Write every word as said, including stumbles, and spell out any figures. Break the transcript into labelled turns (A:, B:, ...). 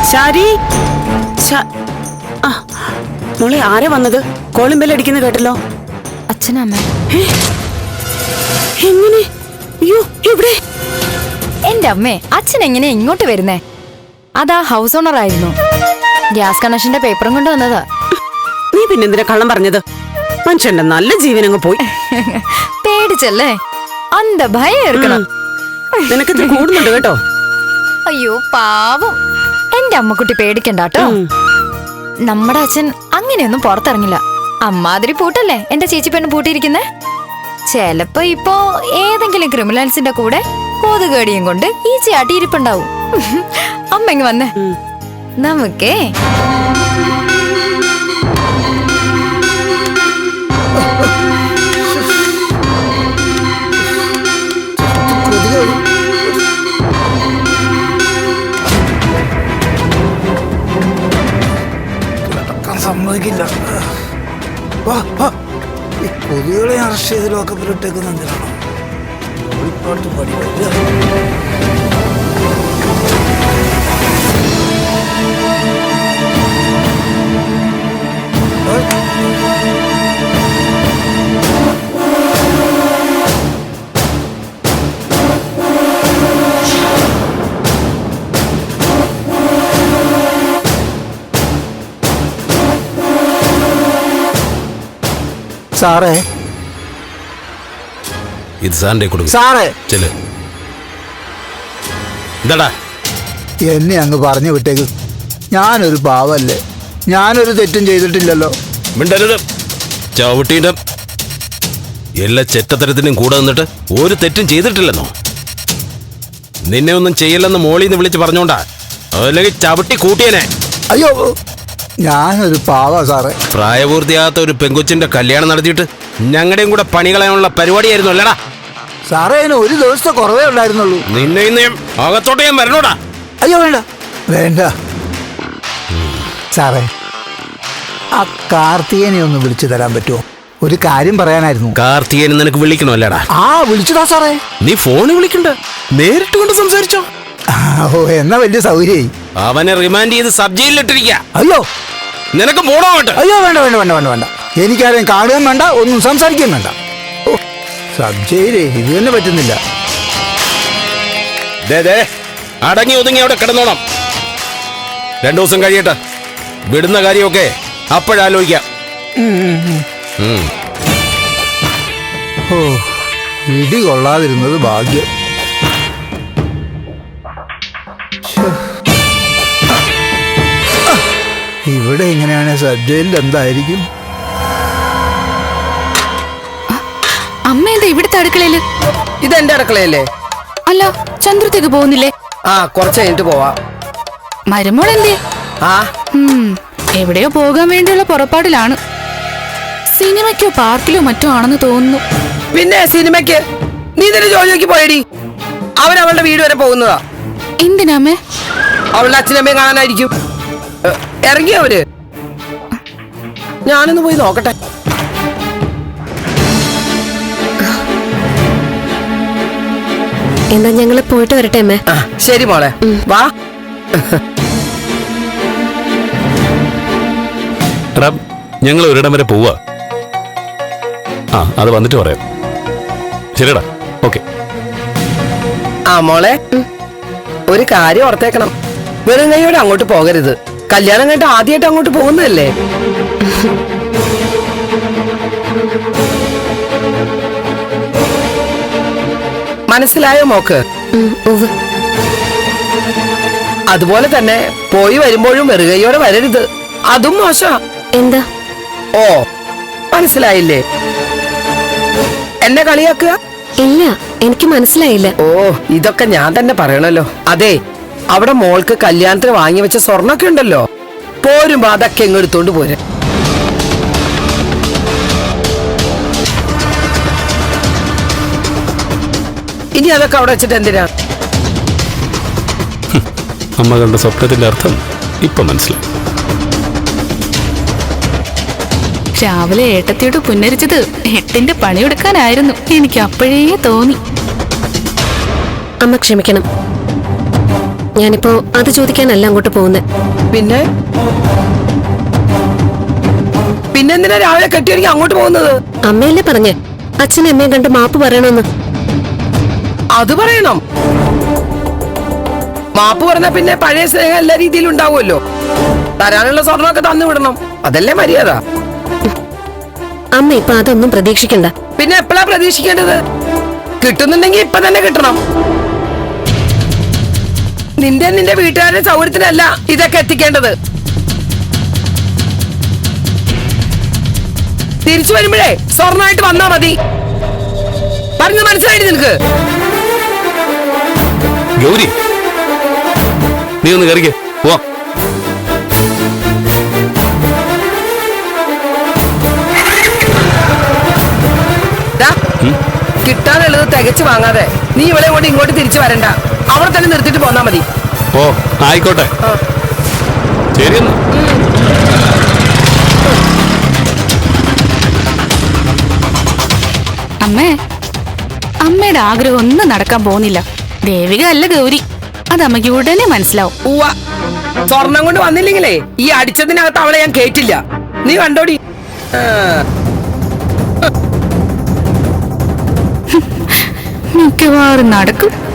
A: ശാരി, മോളെ ആരാ വന്നത്? കോളിംഗ് ബെൽ അടിക്കുന്ന കേട്ടല്ലോ.
B: അച്ഛനമ്മ.
A: എങ്ങനെ? അയ്യോ, എവിടെ?
B: എന്റെ അമ്മേ, അച്ഛൻ എങ്ങനെ ഇങ്ങോട്ട് വരുന്നേ? അതാ ഹൗസ് ഓണർ ആയിരുന്നു. ഗ്യാസ് കണക്ഷന്റെ പേപ്പറും കൊണ്ട് വന്നതാ.
A: നീ പിന്നെന്തിനാ കള്ളം പറഞ്ഞത്? മനുഷ്യന്റെ നല്ല ജീവനങ്ങ് പോയി.
B: പേടിച്ചല്ലേ? അന്ത ഭയം ഏർക്കണം.
A: നിനക്കിത് കൂടുന്നുണ്ട് കേട്ടോ.
B: അയ്യോ പാവം, എന്റെ അമ്മക്കുട്ടി പേടിക്കണ്ടാട്ടോ. നമ്മുടെ അച്ഛൻ അങ്ങനെയൊന്നും പുറത്തിറങ്ങില്ല. അമ്മാതിരി പൂട്ടല്ലേ എന്റെ ചേച്ചി പെണ്ണ് പൂട്ടിയിരിക്കുന്നേ. ചെലപ്പോ ഇപ്പോ ഏതെങ്കിലും ക്രിമിനൽസിന്റെ കൂടെ കോതുകേടിയും കൊണ്ട് ഈ ചാട്ടി ഇരിപ്പുണ്ടാവും. അമ്മ ഇങ്ങ് വന്നേ, നമുക്കേ
C: സമ്മതിക്കില്ല. ഈ കൊതുകളെ അറസ്റ്റ് ചെയ്ത് ലോക്കപ്പിലിട്ടേക്കുന്ന എന്തിനാണ്? പാട്ട് പാടി സാറേ,
D: ഇത് സാറിന്റെ കൊടുക്കും.
C: സാറേ
D: ചെല്. എന്താടാ?
C: എന്നെ അങ്ങ് പറഞ്ഞു വിട്ടേക്ക്. ഞാനൊരു പാവല്ലേ, ഞാനൊരു തെറ്റും ചെയ്തിട്ടില്ലല്ലോ.
D: മിണ്ടരുത്. ചവിട്ടീൻ്റെ എല്ലാ ചെറ്റത്തരത്തിനും കൂടെ നിന്നിട്ട് ഒരു തെറ്റും ചെയ്തിട്ടില്ലെന്നോ? നിന്നെ ഒന്നും ചെയ്യില്ലെന്ന് മോളിന്ന് വിളിച്ച് പറഞ്ഞോണ്ടാ, അല്ലെങ്കിൽ ചവിട്ടി കൂട്ടിയനെ.
C: അയ്യോ, ഞാനൊരു പാവ സാറേ.
D: പ്രായപൂർത്തിയാകാത്ത ഒരു പെങ്കൊച്ചിന്റെ കല്യാണം നടത്തിയിട്ട് ഞങ്ങളുടെയും കൂടെ പണി കളയാനുള്ള പരിപാടിയായിരുന്നു അല്ലടാ
C: സാറേ? അതിന് ഒരു ദിവസത്തെ കുറവേ ഉണ്ടായിരുന്നുള്ളൂ.
D: നിന്നെ ഇന്ന് അകത്തോട്ട് ഞാൻ വരണോടാ.
C: അയ്യോ വേണ്ട വേണ്ട സാറേ, ആ കാർത്തികനെ ഒന്ന് വിളിച്ചു തരാൻ പറ്റുമോ? ഒരു കാര്യം പറയാനായിരുന്നു.
D: കാർത്തികനെ നിനക്ക് വിളിക്കണോ? അല്ലടാ.
C: ആ വിളിച്ചതാ സാറേ.
D: നീ ഫോണിൽ വിളിക്കണ്ട, നേരിട്ട് കൊണ്ട് സംസാരിച്ചോ.
C: ഓ, എന്നാ വലിയ സൗകര്യായി.
D: അവനെ റിമാൻഡ് ചെയ്ത് സബ് ജയിലിലിട്ടിരിക്ക.
C: അയ്യോ,
D: നിനക്ക് പോണോ?
C: അയ്യോ വേണ്ട വേണ്ട വേണ്ട വേണ്ട വേണ്ട എനിക്കാരെയും കാണുകയും വേണ്ട, ഒന്നും സംസാരിക്കുകയും വേണ്ട. ഓ, സബ് ജയിലേ, ഇത് തന്നെ പറ്റുന്നില്ല.
D: അടങ്ങി ഒതുങ്ങി അവിടെ കിടന്നോണം. രണ്ടു ദിവസം കഴിയട്ടെ, വിടുന്ന കാര്യമൊക്കെ അപ്പോഴാലോചിക്കാം.
C: ഓ, ഇടി കൊള്ളാതിരുന്നത് ഭാഗ്യം. ഇവിടെ എങ്ങനെയാണ് സബ് ജയിലിൽ എന്തായിരിക്കും?
E: അമ്മ എന്താ ഇവിടുത്തെ അടുക്കളയില്?
F: ഇതെന്റെ അടുക്കളയല്ലേ?
E: അല്ല, ചന്ദ്രത്തേക്ക് പോകുന്നില്ലേ?
F: ആ, കുറച്ച് കഴിഞ്ഞിട്ട് പോവാ.
E: മരുമോൾ എന്തേ?
F: ആ,
E: എവിടെയോ പോകാൻ വേണ്ടിയുള്ള പുറപ്പാടിലാണ്. സിനിമയ്ക്കോ പാർക്കിലോ മറ്റോ ആണെന്ന് തോന്നുന്നു.
F: പിന്നെ സിനിമയ്ക്ക് നീ തന്നെ ജോലിക്ക് പോയടി. അവൻ അവളുടെ വീട് വരെ പോകുന്നതാ.
E: എന്തിനാമേ?
F: അവളുടെ അച്ഛനമ്മയും കാണാനായിരിക്കും. ഇറങ്ങിയ അവര്. ഞാനൊന്ന് പോയി നോക്കട്ടെ.
G: എന്താ ഞങ്ങള് പോയിട്ട് വരട്ടെ അമ്മേ?
F: ശരി മോളെ, വാ.
D: ഞങ്ങൾ ഒരിടം വരെ പോവാ. ആ, അത് വന്നിട്ട് പറയാം. ശരിടാ, ഓക്കെ.
F: ആ മോളെ, ഒരു കാര്യം ഓർത്തേക്കണം. വെറും കൈയോടെ അങ്ങോട്ട് പോകരുത്. കല്യാണം കഴിഞ്ഞിട്ട് ആദ്യമായിട്ട് അങ്ങോട്ട് പോകുന്നതല്ലേ? മനസ്സിലായോ മോക്ക്? അതുപോലെ തന്നെ പോയി വരുമ്പോഴും വെറുകയോടെ വരരുത്. അതും മോശം.
G: എന്താ?
F: ഓ, മനസ്സിലായില്ലേ? എന്നെ കളിയാക്കുക?
G: ഇല്ല, എനിക്ക് മനസ്സിലായില്ല.
F: ഓ, ഇതൊക്കെ ഞാൻ തന്നെ പറയണല്ലോ. അതെ, അവിടെ മോൾക്ക് കല്യാണത്തിന് വാങ്ങി വെച്ച സ്വർണ്ണൊക്കെ ഉണ്ടല്ലോ, പോരുമ്പോ അതൊക്കെ എങ്ങെടുത്തോണ്ട് പോരെ. ഇനി അതൊക്കെ അവിടെ വെച്ചിട്ട് എന്തിനാ?
D: അമ്മ കണ്ട സ്വപ്നത്തിന്റെ അർത്ഥം ഇപ്പൊ മനസ്സിലായി.
E: രാവിലെ ഏട്ടത്തിയോട് പുന്നരിച്ചത് എട്ടിന്റെ പണിയെടുക്കാനായിരുന്നു. എനിക്ക് അപ്പോഴേ തോന്നി.
G: അമ്മ ക്ഷമിക്കണം. ഞാനിപ്പോ അത് ചോദിക്കാനല്ല അങ്ങോട്ട് പോകുന്നത്.
F: പിന്നെ പിന്നെന്തിനാ രാവിലെ കെട്ടിയൊരുങ്ങി അങ്ങോട്ട് പോകുന്നത്?
G: അമ്മയല്ലേ പറഞ്ഞേ അച്ഛനും അമ്മയും കണ്ട് മാപ്പ് പറയണമെന്ന്.
F: അത് പറയണം. മാപ്പ് പറഞ്ഞാ പിന്നെ പഴയ സ്നേഹം എല്ലാ രീതിയിലും ഉണ്ടാവുമല്ലോ. തരാനുള്ള സ്വർണ്ണമൊക്കെ തന്നു വിടണം. അതല്ലേ മര്യാദ.
G: അമ്മ ഇപ്പൊ അതൊന്നും പ്രതീക്ഷിക്കണ്ട.
F: പിന്നെ എപ്പോഴാ പ്രതീക്ഷിക്കേണ്ടത്? കിട്ടുന്നുണ്ടെങ്കിൽ ഇപ്പൊ തന്നെ കിട്ടണം. നിന്റെ നിന്റെ വീട്ടുകാരുടെ സൗകര്യത്തിനല്ല ഇതൊക്കെ എത്തിക്കേണ്ടത്. തിരിച്ചു വരുമ്പോഴേ സ്വർണ്ണമായിട്ട് വന്നാ മതി. പറഞ്ഞു മനസ്സിലായിട്ട് നിനക്ക്?
D: ഗൗരി, നീ ഒന്ന് കയറിക്കേ, പോവാം.
F: കിട്ടാനുള്ളത് തികച്ചു വാങ്ങാതെ നീ ഇവളെ കൊണ്ട് ഇങ്ങോട്ട് തിരിച്ചു വരണ്ട. അവിടെ തന്നെ നിർത്തിട്ട് പോന്നാ മതി.
D: ഓ ആയിക്കോട്ടെ, ശരി എന്നാ.
E: അമ്മേ, അമ്മയുടെ ആഗ്രഹം ഒന്നും നടക്കാൻ പോകുന്നില്ല. ദേവിക അല്ല ഗൗരി, അത് അമ്മയ്ക്ക് ഉടനെ മനസ്സിലാവും.
F: ഉവ്വ, സ്വർണം കൊണ്ട് വന്നില്ലെങ്കിലേ ഈ അടിച്ചതിനകത്ത് അവളെ ഞാൻ കേറ്റില്ല. നീ കണ്ടോടി.
E: മിക്കവാറും നടക്കും.